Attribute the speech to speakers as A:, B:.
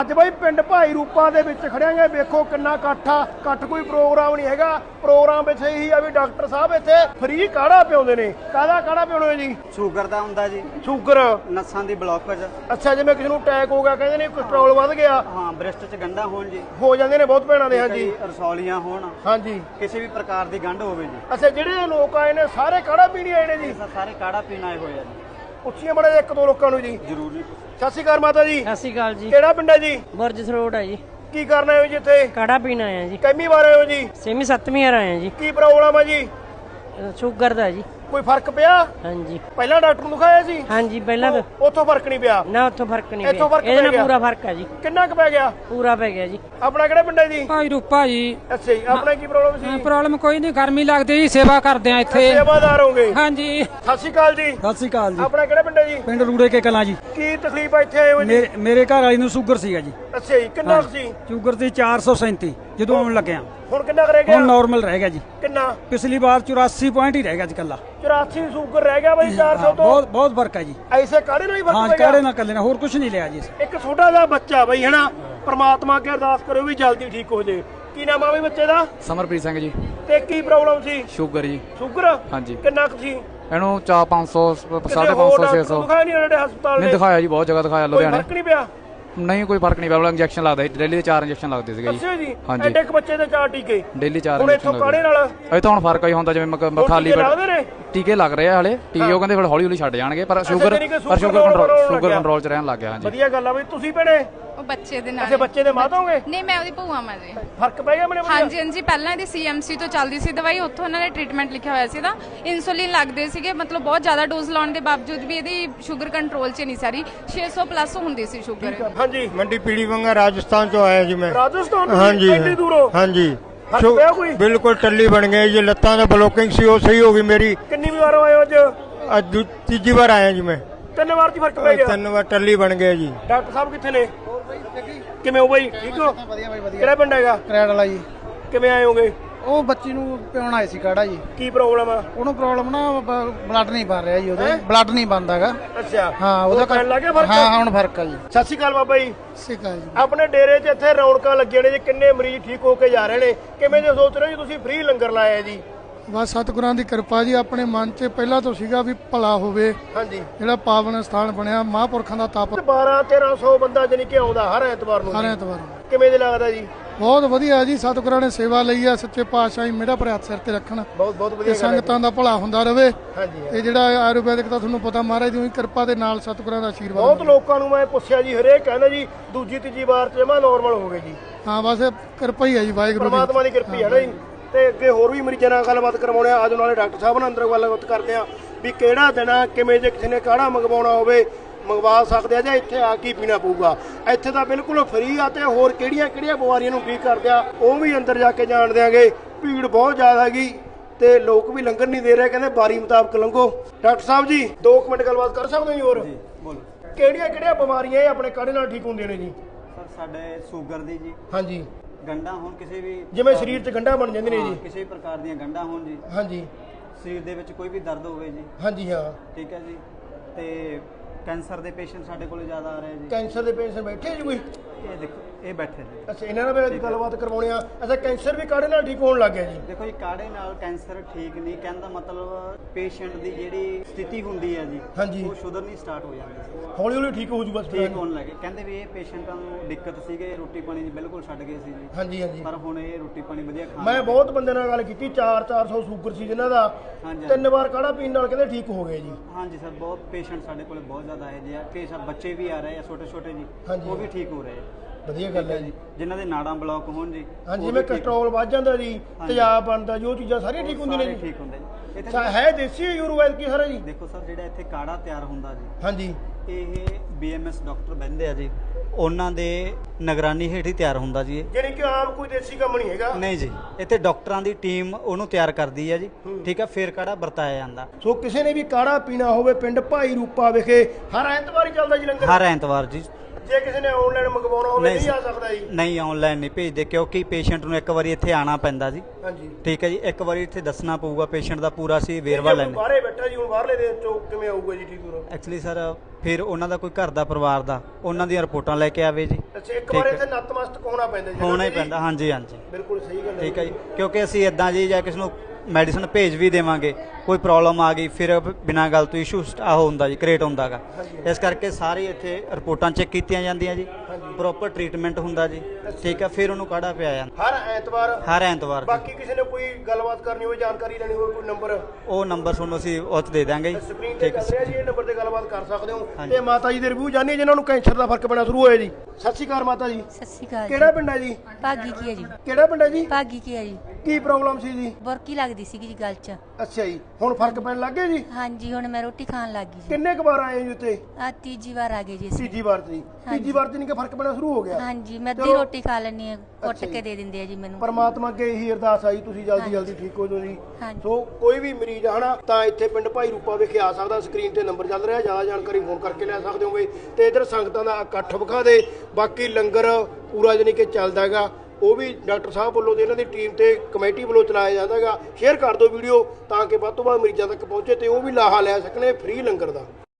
A: ਅੱਜ ਬਾਈ ਪਿੰਡ ਭਾਈ ਰੂਪਾ ਦੇ ਵਿੱਚ ਖੜਿਆਂਗੇ। ਵੇਖੋ ਕਿੰਨਾ ਇਕੱਠ ਆ। ਇਕੱਠ ਕੋਈ ਪ੍ਰੋਗਰਾਮ ਨਹੀਂ ਹੈਗਾ, ਪ੍ਰੋਗਰਾਮ ਵਿੱਚ ਇਹੀ ਆ ਵੀ ਡਾਕਟਰ ਸਾਹਿਬ ਇੱਥੇ ਫ੍ਰੀ ਕਾੜਾ ਪਿਆਉਂਦੇ ਨੇ। ਕਾਹਦਾ ਕਾੜਾ ਪਿਆਉਣਾ ਜੀ?
B: ਸ਼ੂਗਰ ਦਾ ਹੁੰਦਾ ਜੀ।
A: ਸ਼ੂਗਰ,
B: ਨਸਾਂ ਦੀ ਬਲੌਕੇਜ।
A: ਅੱਛਾ, ਜਿਵੇਂ ਕਿਸੇ ਨੂੰ ਅਟੈਕ ਹੋ ਗਿਆ, ਕਹਿੰਦੇ ਨੇ ਕੋਲੇਸਟ੍ਰੋਲ ਵੱਧ ਗਿਆ,
B: ਹਾਂ, ਬ੍ਰੈਸਟ 'ਚ ਗੰਢਾਂ ਹੋਣ ਜੀ,
A: ਹੋ ਜਾਂਦੇ ਨੇ ਬਹੁਤ ਭੈਣਾਂ ਦੇ। ਹਾਂਜੀ,
B: ਰਸੌਲੀਆਂ ਹੋਣ,
A: ਹਾਂਜੀ,
B: ਕਿਸੇ ਵੀ ਪ੍ਰਕਾਰ ਦੀ ਗੰਢ ਹੋਵੇ ਜੀ।
A: ਅੱਛਾ, ਜਿਹੜੇ ਲੋਕ ਆਏ ਨੇ ਸਾਰੇ ਕਾੜਾ ਪੀਣੀ ਆਏ ਨੇ ਜੀ?
B: ਸਾਰੇ ਕਾੜਾ ਪੀਣ ਆਏ ਹੋਏ ਆ ਜੀ।
A: ਪੁੱਛੀਏ ਬੜੇ ਇੱਕ ਦੋ ਲੋਕਾਂ ਨੂੰ ਜੀ।
B: ਜ਼ਰੂਰ ਜੀ।
A: ਸਤਿ ਸ਼੍ਰੀ ਅਕਾਲ ਮਾਤਾ ਜੀ।
C: ਸਤਿ ਸ਼੍ਰੀ ਅਕਾਲ ਜੀ।
A: ਕਿਹੜਾ ਪਿੰਡ ਹੈ ਜੀ?
C: ਬੁਰਜ ਸਰੋੜ ਹੈ ਜੀ।
A: ਕੀ ਕਰਨਾ ਹੈ ਜੀ ਇੱਥੇ?
C: ਕਾੜਾ ਪੀਣ ਆਏ ਆ ਜੀ।
A: ਕਿੰਨੀ ਵਾਰ ਆਏ ਹੋ ਜੀ?
C: 6ਵੀਂ 7ਵੀਂ ਵਾਰ ਆਏ ਆ ਜੀ।
A: ਕੀ ਪ੍ਰੋਬਲਮ ਹੈ ਜੀ?
C: ਸ਼ੂਗਰ ਦਾ ਜੀ।
A: ਕੋਈ ਫਰਕ ਪਿਆ?
C: ਹਾਂਜੀ
A: ਪਹਿਲਾਂ ਡਾਕਟਰ ਨੂੰ ਦਿਖਾਇਆ ਸੀ?
C: ਹਾਂਜੀ, ਪਹਿਲਾਂ ਤਾਂ
A: ਉੱਥੋਂ ਫਰਕ ਨਹੀਂ ਪਿਆ?
C: ਨਾ, ਉੱਥੋਂ ਫਰਕ ਨਹੀਂ
A: ਇੱਥੋਂ
C: ਪਿਆ।
A: ਫਰਕ
C: ਇਹਦੇ
A: ਪੈ
C: ਨਾਲ
A: ਗਿਆ?
C: ਪੂਰਾ ਫਰਕ ਹੈ ਜੀ।
A: ਕਿੰਨਾ ਕੁ ਪੈ ਗਿਆ?
C: ਪੂਰਾ ਪੈ ਗਿਆ ਜੀ।
A: ਆਪਣਾ ਕਿਹੜਾ ਪਿੰਡ ਹੈ ਜੀ?
D: ਭਾਈ ਰੂਪਾ ਜੀ।
A: ਅੱਛਾ ਜੀ, ਆਪਣਾ ਕੀ ਪ੍ਰੋਬਲਮ ਸੀ?
D: ਪ੍ਰੋਬਲਮ ਕੋਈ ਨਹੀਂ, ਗਰਮੀ ਲੱਗਦੀ ਜੀ, ਸੇਵਾ ਕਰਦੇ ਆ ਇੱਥੇ।
A: ਸੇਵਾਦਾਰ ਹੋਗੇ?
D: ਹਾਂਜੀ।
A: ਸਤਿ ਸ਼੍ਰੀ ਅਕਾਲ ਜੀ।
E: ਸਤਿ ਸ੍ਰੀ ਅਕਾਲ ਜੀ।
A: ਆਪਣਾ ਕਿਹੜਾ ਪਿੰਡ ਹੈ ਜੀ?
E: ਪਿੰਡ ਰੂੜੇ ਕੇ ਕਲਾਂ ਜੀ।
A: ਕੀ ਤਕਲੀਫ ਆ ਇੱਥੇ ਆਏ ਹੋ ਜੀ?
E: ਮੇਰੇ ਘਰ ਵਾਲੀ ਨੂੰ ਸ਼ੂਗਰ ਸੀਗਾ ਜੀ।
A: ਅੱਛਾ ਜੀ, ਕਿੰਨਾ ਕੁ ਸੀ?
E: ਸ਼ੂਗਰ ਸੀ 437 ਜਦੋਂ ਆਉਣ ਲੱਗਿਆ।
A: ਹੁਣ ਕਿੰਨਾ ਕੁ ਰਹਿ ਗਿਆ?
E: ਹੁਣ ਨਾਰਮਲ ਰਹਿ ਗਿਆ ਜੀ।
A: ਕਿੰਨਾ?
E: ਪਿਛਲੀ ਵਾਰ 84 ਪੁਆਇੰਟ ਹੀ ਰਹਿ ਗਿਆ ਜੀ ਕੱਲਾ।
A: 84 ਸ਼ੂਗਰ ਰਹਿ ਗਿਆ ਬਾਈ 400 ਤੋਂ।
E: ਬਹੁਤ ਬਹੁਤ ਫਰਕ ਹੈ ਜੀ।
A: ਐਸੇ ਕਾੜੇ ਨਾਲ ਹੀ ਫਰਕ
E: ਹਾਂ,
A: ਪੈ ਗਿਆ?
E: ਕਾੜੇ ਨਾਲ ਕੱਲੇ ਨਾਲ, ਹੋਰ ਕੁਝ ਨਹੀਂ ਲਿਆ ਜੀ।
A: ਇੱਕ ਛੋਟਾ ਜਿਹਾ ਬੱਚਾ ਬਈ, ਹਨਾ, ਪ੍ਰਮਾਤਮਾ ਅੱਗੇ ਅਰਦਾਸ ਕਰੋ ਵੀ ਜਲਦੀ ਠੀਕ ਹੋ ਜੇ। ਕੀ ਨਾਮ ਆ ਬਈ ਬੱਚੇ ਦਾ?
F: ਸਮਰਪ੍ਰੀਤ ਸਿੰਘ ਜੀ।
A: ਤੇ ਕੀ ਪ੍ਰੋਬਲਮ ਸੀ?
F: ਸ਼ੂਗਰ ਜੀ।
A: ਸ਼ੂਗਰ?
F: ਹਾਂਜੀ।
A: ਕਿੰਨਾ ਕੁ ਸੀ?
F: ਇਹਨੂੰ 500
A: ਕਿਸੇ
F: 550
A: ਹੋਰ ਡਾਕਟਰ
F: 600
A: ਨੂੰ ਦਿਖਾਇਆ ਨਹੀਂ ਜਿਹੜੇ ਹਸਪਤਾਲ
F: ਨਹੀਂ
A: ਨੇ?
F: ਦਿਖਾਇਆ ਜੀ, ਬਹੁਤ ਜਗ੍ਹਾ ਦਿਖਾਇਆ,
A: ਕੋਈ
F: ਲੁਧਿਆਣੇ।
A: ਫਰਕ ਨਹੀਂ ਪਿਆ?
F: ਨਹੀਂ, ਕੋਈ ਫਰਕ ਨਹੀਂ ਪਿਆ। ਇੰਜੈਕਸ਼ਨ ਲੱਗਦਾ ਸੀ ਡੇਲੀ ਦੇ 4 ਇੰਜੈਕਸ਼ਨ ਲੱਗਦੇ ਸੀਗੇ
A: ਅੱਛਾ
F: ਜੀ।
A: ਜੀ,
F: ਹਾਂਜੀ।
A: ਐਡੇ ਇੱਕ ਬੱਚੇ ਦੇ 4 ਟੀਕੇ?
F: ਡੇਲੀ 4
A: ਹੁਣ ਇੱਥੋਂ ਕਾੜੇ ਨਾਲ
F: ਇਹ ਤਾਂ ਹੁਣ ਫਰਕ ਹੀ ਹੁੰਦਾ, ਜਿਵੇਂ ਖਾਲੀ
A: ਟੀਕੇ ਲੱਗਦੇ ਨੇ?
F: ਟੀਕੇ ਲੱਗ ਰਹੇ ਆ ਹਲੇ। ਟੀਕੇ ਉਹ ਕਹਿੰਦੇ ਫਿਰ ਹੌਲੀ ਹੌਲੀ ਛੱਡ ਜਾਣਗੇ, ਪਰ ਸ਼ੂਗਰ
A: ਜਾਣੀ ਕਿ ਸ਼ੂਗਰ
F: ਕੰਟਰੋਲ 'ਚ ਰਹਿਣ ਲੱਗ ਗਿਆ। ਹਾਂਜੀ,
A: ਵਧੀਆ ਗੱਲ ਆ ਬਈ। ਤੁਸੀਂ ਭੈਣੇ?
G: ਉਹ ਬੱਚੇ ਦੇ
A: ਅੱਛਾ,
G: ਨਾਲ।
A: ਬੱਚੇ ਦੇ ਮਾਤਾ ਹੋਗੇ?
G: ਨਹੀਂ, ਮੈਂ ਉਹਦੀ ਭੂਆ ਮਾਂ ਜੀ।
A: ਫਰਕ ਪੈ ਗਿਆ ਮੈਨੂੰ?
G: ਹਾਂਜੀ ਹਾਂਜੀ, ਪਹਿਲਾਂ ਇਹਦੀ ਸੀਐਮਸੀ ਤੋਂ ਚੱਲਦੀ ਸੀ ਦਵਾਈ, ਉੱਥੋਂ ਉਹਨਾਂ ਨੇ ਟ੍ਰੀਟਮੈਂਟ ਲਿਖਿਆ ਹੋਇਆ ਸੀ ਤਾਂ ਇਨਸੂਲਿਨ ਲੱਗਦੇ ਸੀਗੇ, ਮਤਲਬ ਬਹੁਤ ਜ਼ਿਆਦਾ ਡੋਜ਼ ਲਾਉਣ ਦੇ ਬਾਵਜੂਦ ਵੀ ਇਹਦੀ ਸ਼ੂਗਰ ਕੰਟਰੋਲ 'ਚ ਨਹੀਂ ਸਾਰੀ 600 ਪਲੱਸ ਹੁੰਦੀ ਸੀ ਸ਼ੂਗਰ।
A: ਹਾਂਜੀ।
H: मंडी पीड़ी वंगा राजस्थान तो आया जी मैं।
A: ਰਾਜਸਥਾਨ ਤੋਂ?
H: हाँ जी
A: ਇੰਨੀ ਦੂਰੋਂ?
H: हाँ जी।
A: फर्क पिया कोई?
H: बिल्कुल टल्ली बन गई जी, लत्तां दा ब्लॉकिंग सी वो सही होगी मेरी।
A: ਕਿੰਨੀ ਵਾਰ ਆਏ ਹੋ ਅੱਜ?
H: आज तीजी बार आया जी मैं।
A: 3 ਵਾਰ ਚ ਫਰਕ ਪੈ ਗਿਆ?
H: 3 बार टल्ली बन गया जी।
A: ਡਾਕਟਰ ਸਾਹਿਬ ਕਿੱਥੇ ਨੇ? ਕਿਵੇਂ ਹੋ ਬਾਈ? ਠੀਕ ਹੋ?
I: ਵਧੀਆ ਬਾਈ ਵਧੀਆ।
A: ਕਿਹੜਾ ਪਿੰਡ ਹੈਗਾ?
I: ਕਰੈਡ ਵਾਲਾ ਜੀ।
A: ਕਿਵੇਂ ਆਏ ਹੋਗੇ?
I: ਉਹ ਬੱਚੀ ਨੂੰ ਪਿਉਣ ਆਏ ਸੀ ਕਾੜਾ ਜੀ।
A: ਕੀ ਪ੍ਰੋਬਲਮ ਆ?
I: ਉਹਨੂੰ ਪ੍ਰੋਬਲਮ ਨਾ ਬਲੱਡ ਨਹੀਂ ਬਣ ਰਿਹਾ ਜੀ, ਉਹਦੇ ਬਲੱਡ ਨਹੀਂ ਬਣਦਾਗਾ।
A: ਅੱਛਾ,
I: ਹਾਂ,
A: ਉਹਦਾ ਪੈਣ ਲੱਗ ਗਿਆ ਫਰਕ?
I: ਹਾਂ, ਹੁਣ ਫਰਕ ਆ ਜੀ।
A: ਸਤਿ ਸ਼੍ਰੀ ਅਕਾਲ ਬਾਬਾ ਜੀ।
I: ਸਿਕਾ ਜੀ।
A: ਆਪਣੇ ਡੇਰੇ 'ਚ ਇੱਥੇ ਰੌਣਕਾਂ ਲੱਗੀਆਂ ਨੇ ਜੀ, ਕਿੰਨੇ ਮਰੀਜ਼ ਠੀਕ ਹੋ ਕੇ ਜਾ ਰਹੇ ਨੇ। ਕਿਵੇਂ ਜੇ ਸੋਚ ਰਹੇ ਹੋ ਜੀ ਤੁਸੀਂ ਫ੍ਰੀ ਲੰਗਰ ਲਾਇਆ ਜੀ?
J: ਬਸ ਸਤਿਗੁਰਾਂ ਦੀ ਕਿਰਪਾ ਜੀ। ਆਪਣੇ ਮਨ 'ਚ ਪਹਿਲਾਂ ਤੋਂ ਸੀਗਾ ਵੀ ਭਲਾ ਹੋਵੇ।
A: ਹਾਂਜੀ।
J: ਜਿਹੜਾ ਪਾਵਨ ਸਥਾਨ ਬਣਿਆ, ਮਹਾਂਪੁਰਖਾਂ ਦਾ ਤਪ।
A: 1200-1300 ਬੰਦਾ ਜਾਨੀ ਕਿ ਆਉਂਦਾ ਹਰ ਐਤਵਾਰ ਨੂੰ
J: ਹਰ
A: ਜੀ।
J: ਐਤਵਾਰ
A: ਕਿਵੇਂ ਜੇ ਲੱਗਦਾ ਜੀ?
J: ਬਹੁਤ ਵਧੀਆ ਜੀ। ਸਤਿਗੁਰਾਂ ਨੇ ਸੇਵਾ ਲਈ ਆ, ਸੱਚੇ ਪਾਤਸ਼ਾਹ ਮੇਰਾ ਭਰਾ ਸਿਰ ਤੇ ਰੱਖਣ
A: ਬਹੁਤ ਬਹੁਤ
J: ਤੇ
A: ਵਧੀਆ ਗੱਲ ਹੈ।
J: ਸੰਗਤਾਂ ਦਾ ਭਲਾ ਹੁੰਦਾ ਰਵੇ।
A: ਹਾਂਜੀ।
J: ਇਹ ਜਿਹੜਾ ਆਯੁਰਵੈਦਿਕ ਦਾ ਤੁਹਾਨੂੰ ਪਤਾ, ਮਹਾਰਾਜ ਦੀ ਕਿਰਪਾ ਦੇ ਨਾਲ ਸਤਿਗੁਰਾਂ ਦਾ ਆਸ਼ੀਰਵਾਦ
A: ਬਹੁਤ
J: ਮਿਲਿਆ।
A: ਲੋਕਾਂ ਨੂੰ ਮੈਂ ਪੁੱਛਿਆ ਜੀ, ਹਰੇਕ ਕਹਿੰਦਾ ਜੀ ਦੂਜੀ ਤੀਜੀ ਵਾਰ ਚ ਜਮਾ ਨਾਰਮਲ ਹੋ ਗਏ ਜੀ।
J: ਹਾਂ, ਬਸ ਇਹ ਕਿਰਪਾ ਹੀ ਹੈ ਜੀ ਵਾਹਿਗੁਰੂ ਦੀ।
A: ਪਰਮਾਤਮਾ ਦੀ ਕਿਰਪਾ ਹੈ ਨਾ ਜੀ। ਤੇ ਅੱਗੇ ਹੋਰ ਵੀ ਮਰੀਜ਼ਾਂ ਨਾਲ ਗੱਲਬਾਤ ਕਰਵਾਉਣੇ ਆ। ਅੱਜ ਨਾਲੇ ਡਾਕਟਰ ਸਾਹਿਬ ਨਾਲ ਅੰਦਰ ਗੱਲਬਾਤ ਕਰਦੇ ਆ ਵੀ ਕਿਹੜਾ ਦੇਣਾ, ਕਿਵੇਂ ਜੇ ਕਿਸੇ ਨੇ ਕਾੜਾ ਮੰਗਵਾਉਣਾ ਹੋਵੇ ਮੰਗਵਾ ਸਕਦੇ ਆ ਜਾਂ ਇੱਥੇ ਆ ਕੀ ਪੀਣਾ ਪਊਗਾ। ਇੱਥੇ ਤਾਂ ਬਿਲਕੁਲ ਫ੍ਰੀ ਆ ਤੇ ਹੋਰ ਕਿਹੜੀਆਂ ਕਿਹੜੀਆਂ ਬਿਮਾਰੀਆਂ ਨੂੰ ਠੀਕ ਕਰਦੇ ਆ ਉਹ ਵੀ ਅੰਦਰ ਜਾ ਕੇ ਜਾਣ ਦਿਆਂਗੇ। ਭੀੜ ਬਹੁਤ ਜ਼ਿਆਦਾ ਹੈਗੀ ਤੇ ਲੋਕ ਵੀ ਲੰਗਰ ਨਹੀਂ ਦੇ ਰਹੇ, ਕਹਿੰਦੇ ਬਾਰੀ ਮੁਤਾਬਕ ਲੰਘੋ। ਡਾਕਟਰ ਸਾਹਿਬ ਜੀ 2 ਮਿੰਟ ਗੱਲਬਾਤ ਕਰ ਸਕਦੇ ਹੋ ਜੀ? ਹੋਰ
B: ਜੀ ਬੋਲੋ।
A: ਕਿਹੜੀਆਂ ਕਿਹੜੀਆਂ ਬਿਮਾਰੀਆਂ ਇਹ ਆਪਣੇ ਕਾੜੇ ਨਾਲ ਠੀਕ ਹੁੰਦੀਆਂ ਨੇ ਜੀ?
B: ਸਰ ਸਾਡੇ ਸ਼ੂਗਰ ਦੀ ਜੀ,
A: ਹਾਂਜੀ।
B: ਗੰਢਾਂ ਹੋਣ ਕਿਸੇ ਵੀ,
A: ਜਿਵੇਂ ਸਰੀਰ 'ਚ ਗੰਢਾਂ ਬਣ ਜਾਂਦੇ ਨੇ ਜੀ?
B: ਕਿਸੇ ਵੀ ਪ੍ਰਕਾਰ ਦੀਆਂ ਗੰਢਾਂ ਹੋਣ ਜੀ।
A: ਹਾਂਜੀ।
B: ਸਰੀਰ ਦੇ ਵਿੱਚ ਕੋਈ ਵੀ ਦਰਦ ਹੋਵੇ ਜੀ।
A: ਹਾਂਜੀ ਹਾਂ।
B: ਠੀਕ ਹੈ ਜੀ। ਤੇ ਕੈਂਸਰ ਦੇ ਪੇਸ਼ੈਂਟ ਸਾਡੇ ਕੋਲ ਜ਼ਿਆਦਾ ਆ ਰਹੇ ਜੀ।
A: ਕੈਂਸਰ ਦੇ ਪੇਸ਼ੈਂਟ ਬੈਠੇ ਜੀ ਕੋਈ?
B: ਇਹ ਦੇਖੋ, ਇਹ ਬੈਠੇ ਜੀ।
A: ਅੱਛਾ, ਇਹਨਾਂ ਨਾਲ ਵੀ ਗੱਲਬਾਤ ਕਰਵਾਉਣੀ ਆ। ਅੱਛਾ, ਕੈਂਸਰ ਵੀ ਕਾੜੇ ਨਾਲ ਠੀਕ ਹੋਣ ਲੱਗ ਗਿਆ ਜੀ?
B: ਦੇਖੋ ਜੀ, ਕਾੜੇ ਨਾਲ ਕੈਂਸਰ ਠੀਕ ਨਹੀਂ ਕਹਿਣ ਦਾ ਮਤਲਬ ਪੇਸ਼ੈਂਟ ਦੀ ਜਿਹੜੀ ਸਥਿਤੀ ਹੁੰਦੀ ਹੈ ਜੀ,
A: ਹਾਂਜੀ,
B: ਉਹ ਸੁਧਰਨੀ ਸਟਾਰਟ ਹੋ ਜਾਂਦੀ ਹੈ।
A: ਹੌਲੀ ਹੌਲੀ ਠੀਕ ਹੋ ਜੂ ਬਸ?
B: ਠੀਕ ਹੋਣ ਲੱਗੇ। ਕਹਿੰਦੇ ਵੀ ਇਹ ਪੇਸ਼ੈਂਟਾਂ ਨੂੰ ਦਿੱਕਤ ਸੀਗੇ, ਰੋਟੀ ਪਾਣੀ ਦੀ ਬਿਲਕੁਲ ਛੱਡ ਗਏ ਸੀ ਜੀ।
A: ਹਾਂਜੀ ਹਾਂਜੀ।
B: ਪਰ ਹੁਣ ਇਹ ਰੋਟੀ ਪਾਣੀ ਵਧੀਆ ਖਾਣ।
A: ਮੈਂ ਬਹੁਤ ਬੰਦੇ ਨਾਲ ਗੱਲ ਕੀਤੀ, 400 ਸ਼ੂਗਰ ਸੀ ਜਿਨ੍ਹਾਂ ਦਾ,
B: ਹਾਂਜੀ।
A: 3 ਵਾਰ ਕਾੜਾ ਪੀਣ ਨਾਲ ਕਹਿੰਦੇ ਠੀਕ ਹੋ ਗਏ ਜੀ।
B: ਹਾਂਜੀ ਸਰ, ਬਹੁਤ ਪੇਸ਼ੈਂਟ ਸਾਡੇ ਕੋਲ ਬਹੁਤ ਜ਼ਿਆਦਾ ਆਏ ਜੀ। ਪੇਸ਼ੈਂਟ ਬੱਚੇ ਵੀ ਆ ਰਹੇ ਆ ਛੋਟੇ ਛੋਟੇ ਜੀ,
A: ਹਾਂਜੀ।
B: ਉਹ ਵੀ ਠੀਕ ਹੋ ਰਹੇ ਆ।
A: ਵਧੀਆ ਗੱਲ ਹੈ ਜੀ।
B: ਜਿਨ੍ਹਾਂ ਦੇ ਨਾੜਾਂ ਬਲੌਕ ਹੋਣ ਜੀ,
A: ਹਾਂਜੀ, ਜਿਵੇਂ ਕੋਲੇਸਟ੍ਰੋਲ ਵੱਧ ਜਾਂਦਾ ਜੀ, ਤੇਜ਼ਾਬ ਬਣਦਾ ਜੀ, ਉਹ ਚੀਜ਼ਾਂ ਸਾਰੀਆਂ ਠੀਕ ਹੁੰਦੀਆਂ ਨੇ ਜੀ?
B: ਠੀਕ ਹੁੰਦੇ ਜੀ।
A: ਅੱਛਾ, ਹੈ ਦੇਸੀ ਆਯੁਰਵੈਦ ਕੀ ਸਾਰਾ ਜੀ?
B: ਦੇਖੋ ਸਰ, ਜਿਹੜਾ ਇੱਥੇ ਕਾੜਾ ਤਿਆਰ ਹੁੰਦਾ ਜੀ,
A: ਹਾਂਜੀ,
B: ਇਹ BMS ਡਾਕਟਰ ਬਹਿੰਦੇ ਆ ਜੀ, ਉਹਨਾਂ ਦੇ ਨਿਗਰਾਨੀ ਹੇਠ ਹੀ ਤਿਆਰ ਹੁੰਦਾ ਜੀ ਇਹ।
A: ਯਾਨੀ ਕਿ ਆਮ ਕੋਈ ਦੇਸੀ ਕੰਮ ਨਹੀਂ ਹੈਗਾ?
B: ਨਹੀਂ ਜੀ, ਇੱਥੇ ਡਾਕਟਰਾਂ ਦੀ ਟੀਮ ਉਹਨੂੰ ਤਿਆਰ ਕਰਦੀ ਹੈ ਜੀ। ਠੀਕ ਹੈ, ਫੇਰ ਕਾੜਾ ਵਰਤਾਇਆ ਜਾਂਦਾ।
A: ਸੋ ਕਿਸੇ ਨੇ ਵੀ ਕਾੜਾ ਪੀਣਾ ਹੋਵੇ ਪਿੰਡ ਭਾਈ ਰੂਪਾ ਵਿਖੇ ਹਰ ਐਤਵਾਰ ਹੀ ਚੱਲਦਾ ਜੀ ਲੰਗਰ?
B: ਹਰ ਐਤਵਾਰ ਜੀ।
A: ਜੇ ਕਿਸੇ ਨੇ ਆਨਲਾਈਨ ਮੰਗਵਾਉਣਾ ਹੋਵੇ
B: ਨਹੀਂ
A: ਨਹੀਂ ਆ ਸਕਦਾ ਜੀ?
B: ਨਹੀਂ ਆਨਲਾਈਨ ਨਹੀਂ ਭੇਜਦੇ ਕਿਉਂਕਿ ਪੇਸ਼ੈਂਟ ਨੂੰ ਇੱਕ ਵਾਰੀ ਇੱਥੇ ਆਣਾ ਪੈਂਦਾ ਜੀ।
A: ਹਾਂਜੀ
B: ਠੀਕ ਹੈ ਜੀ, ਇੱਕ ਵਾਰੀ ਇੱਥੇ ਦੱਸਣਾ ਪਊਗਾ ਪੇਸ਼ੈਂਟ ਦਾ ਪੂਰਾ ਅਸੀਂ ਵੇਰਵਾ
A: ਜੇ ਕੋਈ
B: ਲੈਣਾ।
A: ਬਾਹਰੇ ਬੈਠਾ ਜੀ ਹੁਣ ਬਾਹਰਲੇ ਦੇਸ਼ ਚੋਂ ਕਿਵੇਂ ਆਊਗਾ ਜੀ ਠੀਕ
B: ਐਕਚੁਅਲੀ ਸਰ ਫਿਰ ਉਹਨਾਂ ਦਾ ਕੋਈ ਘਰ ਦਾ ਪਰਿਵਾਰ ਦਾ ਉਹਨਾਂ ਦੀਆਂ ਰਿਪੋਰਟਾਂ ਲੈ ਕੇ ਆਵੇ ਜੀ।
A: ਅੱਛਾ ਇੱਕ ਵਾਰ ਇੱਥੇ ਨਤਮਸਤਕ ਹੋਣਾ ਪੈਂਦਾ ਜੀ?
B: ਹੋਣਾ ਹੀ ਪੈਂਦਾ, ਹਾਂਜੀ ਹਾਂਜੀ
A: ਬਿਲਕੁਲ ਸਹੀ ਗੱਲ ਹੈ।
B: ਠੀਕ ਹੈ ਜੀ, ਕਿਉਂਕਿ ਅਸੀਂ ਇਦਾਂ ਜੀ ਜਾਂ ਕਿਸੇ ਨੂੰ ਮੈਡੀਸਨ ਭੇਜ ਵੀ ਦੇਵਾਂਗੇ ਕੋਈ ਪ੍ਰੋਬਲਮ ਆ ਗਈ ਫਿਰ ਬਿਨਾਂ ਗੱਲ ਤੋਂ ਇਸ਼ੂ ਆਹ ਹੁੰਦਾ ਜੀ ਕ੍ਰੀਏਟ ਹੁੰਦਾਗਾ। ਇਸ ਕਰਕੇ ਸਾਰੇ ਇੱਥੇ ਰਿਪੋਰਟਾਂ ਚੈੱਕ ਕੀਤੀਆਂ ਜਾਂਦੀਆਂ ਜੀ, ਪ੍ਰੋਪਰ ਟ੍ਰੀਟਮੈਂਟ ਹੁੰਦਾ ਜੀ। ਠੀਕ ਹੈ, ਫਿਰ ਉਹਨੂੰ ਕਾੜਾ ਪਿਆ ਜਾਂਦਾ
A: ਹਰ ਐਤਵਾਰ
B: ਜੀ।
A: ਬਾਕੀ ਕਿਸੇ ਨੇ ਕੋਈ ਗੱਲਬਾਤ ਕਰਨੀ ਹੋਵੇ ਜਾਣਕਾਰੀ ਲੈਣੀ ਹੋਵੇ ਕੋਈ ਨੰਬਰ
B: ਉਹ ਨੰਬਰ ਤੁਹਾਨੂੰ ਅਸੀਂ ਉਹ 'ਚ ਦੇ ਦਾਂਗੇ ਜੀ।
A: ਸਕਰੀਨ ਤੇ
B: ਠੀਕ ਹੈ
A: ਚੱਲ ਰਿਹਾ ਜੀ, ਇਹ ਨੰਬਰ ਤੇ ਗੱਲਬਾਤ ਕਰ ਸਕਦੇ ਹੋ।
B: ਹਾਂਜੀ।
A: ਤੇ ਮਾਤਾ ਜੀ ਦੇ ਰਿਵਿਊ ਜਾਣੀਏ ਜਿਨ੍ਹਾਂ ਨੂੰ ਕੈਂਸਰ ਦਾ ਫਰਕ ਪੈਣਾ ਸ਼ੁਰੂ ਹੋਇਆ ਜੀ। ਸਤਿ ਸ਼੍ਰੀ ਅਕਾਲ ਮਾਤਾ ਜੀ।
C: ਸਤਿ ਸ਼੍ਰੀ ਅਕਾਲ
A: ਕਿਹੜਾ ਪਿੰਡ ਹੈ ਜੀ?
C: ਭਾਗੀ ਕੀ ਹੈ ਜੀ?
A: ਕਿਹੜਾ ਪਿੰਡ ਹੈ ਜੀ?
C: ਭਾਗੀ ਕੀ ਹੈ ਜੀ?
A: ਕੀ ਪ੍ਰੋਬਲਮ ਸੀ ਜੀ?
C: ਬੁਰਕੀ ਲੱਗਦੀ ਸੀਗੀ ਜੀ ਗਲ 'ਚ।
A: ਅੱਛਾ ਜੀ, ਹੁਣ ਫਰਕ ਪੈਣ ਲੱਗ ਗਿਆ ਜੀ?
C: ਹਾਂਜੀ ਹੁਣ ਮੈਂ ਰੋਟੀ ਖਾਣ ਲੱਗ ਗਈ ਜੀ।
A: ਕਿੰਨੇ ਕੁ ਵਾਰ ਆਏ ਜੀ ਉੱਤੇ?
C: ਆ ਤੀਜੀ ਵਾਰ ਆ ਗਏ ਜੀ ਅਸੀਂ।
A: ਤੀਜੀ ਵਾਰ ਤੇ ਜੀ? ਤੀਜੀ ਵਾਰ ਤੇ ਨਹੀਂ ਕਿ ਫਰਕ ਪੈਣਾ ਸ਼ੁਰੂ ਹੋ ਗਿਆ?
C: ਹਾਂਜੀ ਮੈਂ ਅੱਧੀ
A: ਚਲੋ।
C: ਰੋਟੀ ਖਾ ਲੈਣੀ ਹੈ, ਕੁੱਟ
A: ਅੱਛਾ
C: ਕੇ
A: ਜੀ।
C: ਦੇ ਦਿੰਦੇ ਆ ਜੀ ਮੈਨੂੰ।
A: ਪਰਮਾਤਮਾ ਅੱਗੇ ਇਹੀ ਅਰਦਾਸ ਆਈ ਤੁਸੀਂ ਜਲਦੀ
C: ਹਾਂਜੀ।
A: ਜਲਦੀ ਠੀਕ ਹੋ ਜਾਓ ਜੀ।
C: ਹਾਂਜੀ।
A: ਸੋ ਕੋਈ ਵੀ ਮਰੀਜ਼ ਹਨਾ ਤਾਂ ਇੱਥੇ ਪਿੰਡ ਭਾਈ ਰੂਪਾ ਵਿਖੇ ਆ ਸਕਦਾ। ਸਕਰੀਨ ਤੇ ਨੰਬਰ ਚੱਲ ਰਿਹਾ, ਜ਼ਿਆਦਾ ਜਾਣਕਾਰੀ ਫੋਨ ਕਰਕੇ ਲੈ ਸਕਦੇ ਹੋਗੇ। ਤੇ ਇਧਰ ਸੰਗਤਾਂ ਦਾ ਇਕੱਠ ਵਿਖਾ ਦੇ। ਬਾਕੀ ਲੰਗਰ ਪੂਰਾ ਜਾਨੀ ਕਿ ਚੱਲਦਾ ਹੈਗਾ, ਉਹ ਵੀ ਡਾਕਟਰ ਸਾਹਿਬ ਵੱਲੋਂ ਤੇ ਇਹਨਾਂ ਦੀ ਟੀਮ ਤੇ ਕਮੇਟੀ ਵੱਲੋਂ ਚਲਾਇਆ ਜਾਂਦਾ ਹੈਗਾ। ਸ਼ੇਅਰ ਕਰ ਦਿਓ ਵੀਡੀਓ ਤਾਂ ਕਿ ਵੱਧ ਤੋਂ ਵੱਧ ਮਰੀਜ਼ਾਂ ਤੱਕ ਪਹੁੰਚੇ ਤੇ ਉਹ ਵੀ ਲਾਹਾ ਲੈ ਸਕਣ ਫ੍ਰੀ ਲੰਗਰ ਦਾ।